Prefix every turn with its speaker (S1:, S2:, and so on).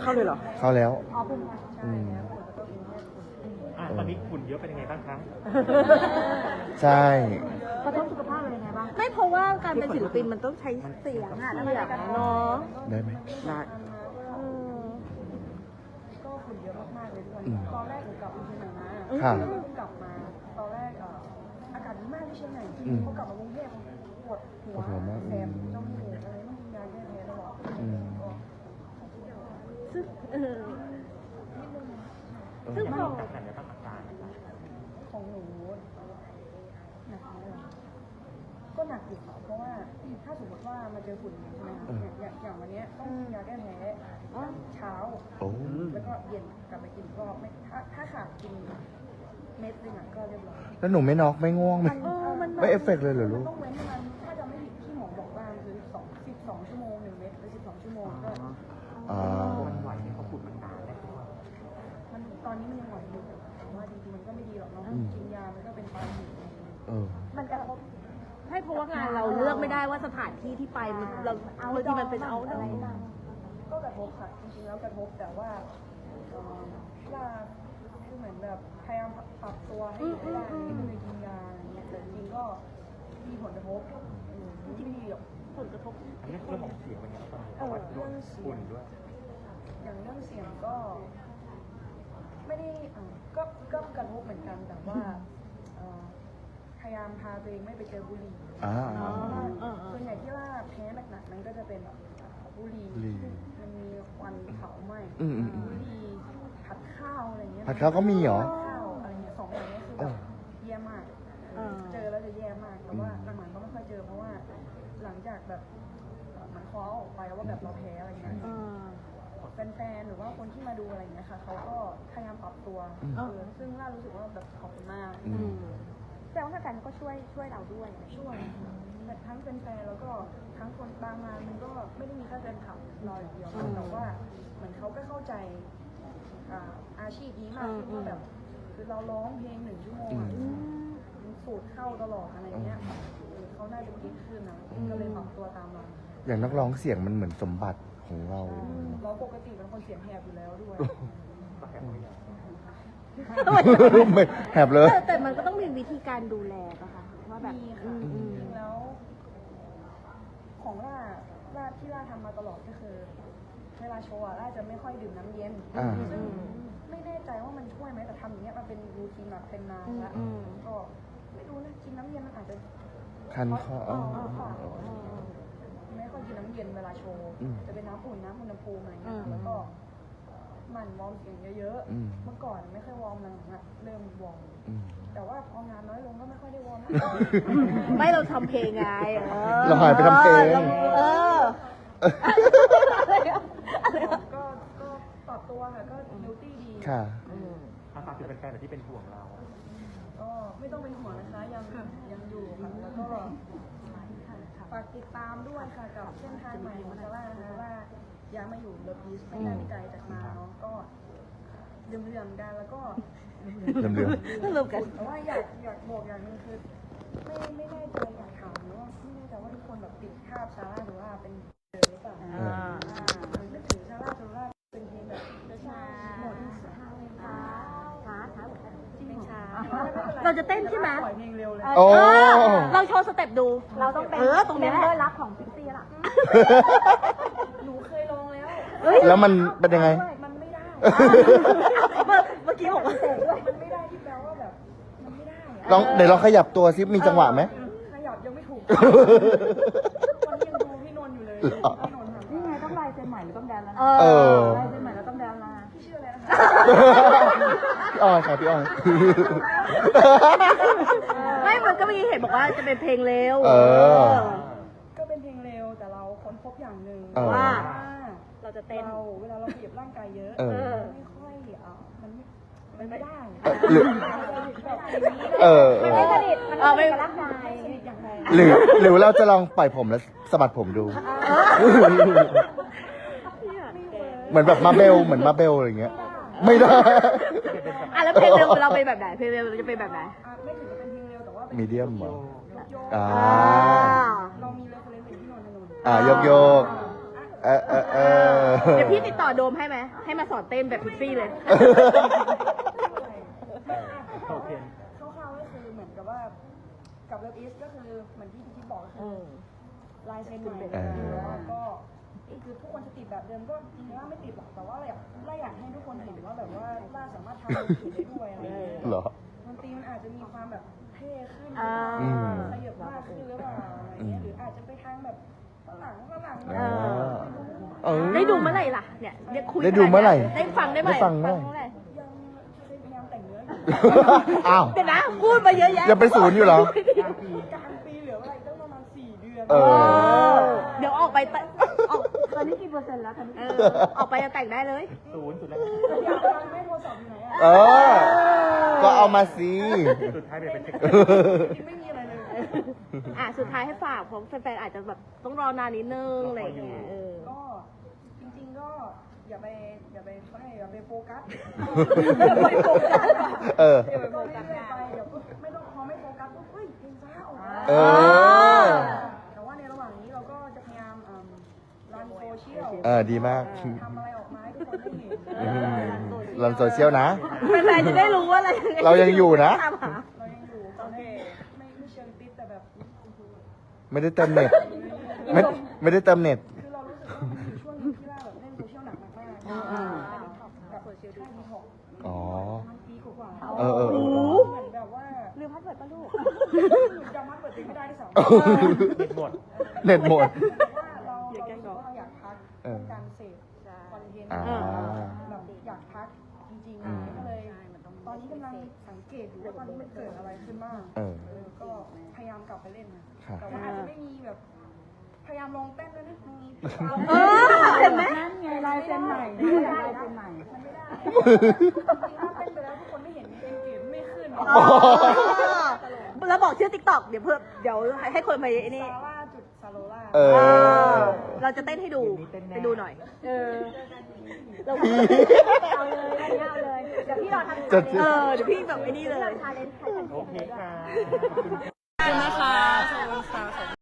S1: เข้าเลยเหรอ
S2: เข้าแล้ว
S3: ตอนนี้ฝุ่นเยอะเป็นยังไงบ้างครับ
S2: ใช่
S1: กระทบสุขภาพอะไรยังไงบ้างไม่เพราะว่าการเป็นศิลปินมันต้องใช้เสียงอะเสียงเนาะ
S2: ได้ไหม
S1: ได้
S4: ก็ฝุ่นเยอะมากๆเลยทุกวันตอนแรกหนูกลับมาเชียงใหม่มา
S2: ค่ะ
S4: แล้วก็กลับมาตอนแรกอากาศดีมากที่เชียงใหม่พอกลับมากรุงเทพปวดหัวแสบจมูกอะไรต้องกินยาแก้แพ้ตลอด
S1: ซึ่งพอ
S4: ของหนูหนักเลยก็หนักอยู่ค่ะเพราะว่าถ้าสมมติว่ามาเจอฝุ่นใช่ไหมคะอย่างวันนี้ต้องกินยาแก้แพ้เช้าแล้วก็เย็นกลับไปกินก็ไม่ถ้าขาดกินเม็ดนึงก็เรียบร้อย
S2: แล้วหนูไม่น็อกไม่ง่วงไม่เอฟเฟกต์เลยเหรอลูก
S4: ต้องเว้นมันถ้าจะไม่ผิดที่หมอบอกว่าคือ12 ชั่วโมง1 เม็ดหรือ12 ชั่วโมงก็
S3: มันไหวให้เขาฝุ่นมันนานได้
S4: มันตอนนี้มันยังไหวอยู่แต่ว่าจริงๆมันก็ไม่ดีหรอกเนาะกินยามันก็เป็นปลายเหตุ
S1: มันจะให้เพราะว่างานเราเลือกไม่ได้ว่าสถานที่ที่ไปเราบางทีมันเป็นเอาอะไร
S4: ก็กระทบค่ะจริงๆแล้วกระทบแต่ว่าคือเหมือนแบบพยายามปรับตัวให้อยู่ได้ไม่เลยกินยาอะไรเงี้ยแต่จริงๆก็มีผลกระทบที่ไม่ดีหรอก
S1: ผลกระทบ
S3: เรื่องของเสียงมันยังไงบ้างเรื่องฝุ่นด้วย
S4: อย่างเรื่องเสียงก็ไม่ได้ก็กระทบเหมือนกันแต่ว่าพยายามพาตัวเองไม่ไปเจอบุหรี่ส่วนใหญ่ที่ว่าแพ้หนักๆนั้นก็จะเป็นบุหรี่มันมีควันเผาไหม้บุหรี่ผัดข้าวอะไรเงี้ย
S2: ผัดข้าวก็มีเหรอ
S4: ข้าวอะไรเงี้ย2 อย่างนี้คือแบบแย่มากเจอแล้วจะแย่มากแต่ว่าหลังๆก็ไม่ค่อยเจอเพราะว่าหลังจากแบบมันคอออกไปว่าแบบเราแพ้อะไรเงี้ยแฟนๆหรือว่าคนที่มาดูอะไรเงี้ยค่ะเขาก็พยายามปรับตัวซึ่งล่ารู้สึกว่าแบบขอบคุณมาก
S1: แต่ว่าแฟนก็ช่วยเราด้วย
S4: ช่วยทั้งแฟนๆแล้วก็ทั้งคนบางงานมันก็ไม่ได้มีแค่แฟนคลับเราอย่างเดียวแต่ว่าเหมือนเขาก็เข้าใจอาชีพนี้มากที่แบบคือเราร้องเพลง1 ชั่วโมงสูตรเข้าตลอดอะไรเงี้ยเขาน่าจะคิดขึ้นนะก็เลยปรับตัวตามเรา
S2: อย่างนักร้องเสียงมันเหมือนสมบัติของเรา
S4: ปกติเป็นคนเสียงแหบอยู่แล้วด้วย
S2: ไม่แหบเลย
S1: แต่มันก็ต้องมีวิธีการดูแลป่ะคะว่าแบบ
S4: แล้วของล่าที่ล่าทำมาตลอดก็คือเวลาโชว์ล่าจะไม่ค่อยดื่มน้ำเย็นซึ่งไม่แน่ใจว่ามันช่วยไหมแต่ทำอย่างเงี้ยมันเป็นรูทีนแบบเป็นนานแล้วก็ไม่รู้นะกินน้ำเย็นมันอาจจะ
S2: คันคอ
S4: ไม่ค่อยกินน้ำเย็นเวลาโชว์จะเป็นน้ำอุ่นน้ำอุณหภูมิอะไรเงี้ยแล้วก็มันวอร์มเสียงเยอะๆเมื่อก่อนไม่ค่อยวอร์มหลังๆเริ่มวอร์มแต่ว่าพองานน้อยลงก็ไม่ค่อยได้วอร์ม
S1: ไม่เราทำเพลงไง
S2: เราหายไปทำเพลง
S4: ก็ปรับตัวค่ะก็ดิวตี้ดี
S2: ค่ะ
S3: ฝากถึงแฟนๆที่เป็นห่วงเรา
S4: ก็ไม่ต้องเป็นห่วงนะคะยังอยู่ค่ะแล้วก็ฝากติดตามด้วยค่ะกับเส้นทางใหม่ของซาร่านะคะว่าย้ายมาอยู่เลิฟอีสไม่ได้ไกลจากมาเนาะก็เรื่อมๆกันแล้วก็
S1: กัน
S4: แต่ว่าอยากบอกอย่างนึงคือไม่แน่ใจอยากถามหรือว่าไม่แน่ใจว่าทุกคนแบบติดภาพซาร่าหรือว่าเป็นหรือเปล่านึกถึงซาร่าเป็นเพลงแบบช้าหมดช้า
S1: จริงช้าเราจะเต้นใช่ไหม
S4: ปล่อยเพลงเร็วเลย
S1: เราโชว์สเต็ปดู
S4: เราต้องเป็น
S1: ตรงนี้ด้วยรักของพิกซี่ล่ะ
S4: หนูเคยลองแล้ว
S2: แล้วมันเป็นยังไง
S4: มันไม่ได้
S1: เมื่อกี้บอกว่า
S4: มันไม่ได้ที่แปลว่าแบบมันไม่ได้
S2: เดี๋ยวเราขยับตัวซิมีจังหวะไหม
S4: ขยับยังไม่ถูกวันยังดูพี่นนท์อยู่เลยพี่นนท์ทำนี่ไงต้องลายเซ็นใหม่หรือต้องแดนแล้วนะลายเซ็นใหม่แล้วต้องแดนละพี่ชื่ออะไรนะคะ
S2: พี่อ้อยค่ะพี่อ้อย
S1: ไม่มันก็มีเห็นบอกว่าจะเป็นเพลงเร็ว
S4: ก็เป็นเพลงเร็วแต่เราค้นพบอย่างหนึ่ง
S1: ว่าเราจะเต้น
S4: เวลาเราเหยียบร่างกายเยอะไม่ค่อยมันไม่ได้
S1: ไม่สนิทมันไม่ร่างกาย
S4: อย่างไร
S2: หรือเราจะลองปล่อยผมแล้วสะบัดผมดูเหมือนแบบมาเบลอะไรเงี้ยไม่ได้
S1: แล้วเพลงเร็วเราเป็นแบบไหนเพลงเร็วเราจะเป็นแบบไหน
S4: ไม่ถึงจะเป็นเพลงเร็วแต่ว่า
S2: มีเดียมเหรอ
S4: เรามีเรฟเฟรนซ์ที่นนท์
S2: โยก
S1: เดี๋ยวพี่ติดต่อโดมให้ไหมให้มาสอนเต้นแบบฟรีๆเลย
S3: โอเค
S4: คร่าวๆก็คือเหมือนกับว่ากับเลิฟอีสก็คือเหมือนที่พี่บอกก็คือลายเซ็นใหม่แล้วก็คือทุกคนจะติดแบบเดิมก็จริงๆว่าไม่ติดหรอกแต่ว่าเราอยากให้ทุกคนเห็นว่าแบบว่าล่าสามารถทำอะไรได้ด้วยอะไรอย่างเงี้ย
S2: เหรอ
S4: ดนตรีมันอาจจะมีความแบบเท่ขึ้น
S2: อืม
S4: ขยับมากขึ้นหรือเปล่าอะไรเงี้ยหรืออาจจะไปทางแบบฝรั่ง
S1: ได้ดูเมื่อไหร่ล่ะเนี่ยคุย
S2: ได้ดูเมื่อไหร่
S1: ได้ฟังได้ไหม
S2: ได้ฟังเมื่อไหร่
S4: ยังพยายามแต่งเนื้ออยู่
S2: อ้าว
S1: เดี๋ยวนะพูดมาเยอะแยะ
S2: ยังเป็นศูนย์อยู่เหรอ
S4: กลางปีเหลือเวลาอีกตั้งประมาณ4 เดือน
S2: เออ
S1: เดี๋ยวออกไปออกตอนนี้กี่เปอร์เซ็นต์แล้วตอนนี้ออกไปจะแต่งได้เลย
S3: ศูนย์สุดแล้ว
S4: อยากฟังไม่โทรศัพท์อยู่ไหนอ่ะ
S2: เออ ก็เอามาสิ
S3: สุดท้ายเดี๋ยวไปเช็ค
S4: จริงไม่มีอะไรเลย
S1: สุดท้ายให้ฝากเพราะแฟนๆอาจจะแบบต้องรอนานนิดนึงอะไรอย่างเงี้ย
S4: ก็จริงๆก็อย่าไปโฟกัส
S2: เออ
S4: เดี๋ยวก็เรื่อยๆไปเดี๋ยวก็ไม่ต้องพอไม่โฟกัสปุ๊บเฮ้ยเพลงช้าออกมา
S2: เออ
S4: แต่ว่าในระหว่างนี้เราก็จะพยายามรันโซเชียล
S2: ดีมาก
S4: ทำอะไรออกมาให้ทุกคนได้เห็น
S2: รันโซเชียลนะ
S1: แฟนๆจะได้รู้ว่าอะไร
S2: เรายังอยู่นะ
S1: ตามหา
S4: เรายังอยู่ตอนนี้ไม่เชิงติดแต่แบบ
S2: ไม่ได้เติมเน็ต ไม่ได้เติมเน็ต
S4: คือเรารู้สึกว่ามันอยู่ช่วงหนึงที่ว่าแบบเล่นโซเชียลหนักมากๆกับโซเชียลดีท็อก
S2: อ๋อ
S4: มันปีกว่า
S2: เออ
S4: เหมือนแบบว่า
S1: ลืมพัดเปิดปะลูก
S4: จำมันเปิดเพลงไม่ได้ที่สอง
S3: เน็ตหมด
S2: เน็ตหมด
S4: ว่าเรารู้สึกว่าเราอยากพักเรื่องการเสพคอนเทนต์
S2: อ่า
S4: แบบอยากพักจริงๆก็เลยตอนนี้กำลังสังเกตอยู่ว่าตอนนี้มันเกิดอะไรขึ้นบ้าง
S2: เออ
S4: ก็พยายามกลับไปเล่นนะครับ แต่ว่าอาจจะไม่มีแบบพยายามลองเต้นด้วยนะมี
S1: เห็นไหม
S4: นั่นไงลายเซ็นใหม่ลายเซ็นใหม่มันไม่ได้ถ้าเต้นไปแล้วทุกคนไม่เห็นเองเกตไม่ขึ้น
S1: แล้วบอกชื่อติ๊กต็อกเดี๋ยวให้คนมาไอ้นี่
S4: ซาร่าจุดซาโลล่า
S2: เออ
S1: เราจะเต้นให้ดูไปดูหน่อย เรา
S2: เอาเลย
S1: เอาเลย เดี๋ยวพี่รอทำ
S2: จะ
S1: เดี๋ยวพี่แบบไอ้นี่เลย
S3: โอเคค่ะ
S1: ขอบคุณนะคะ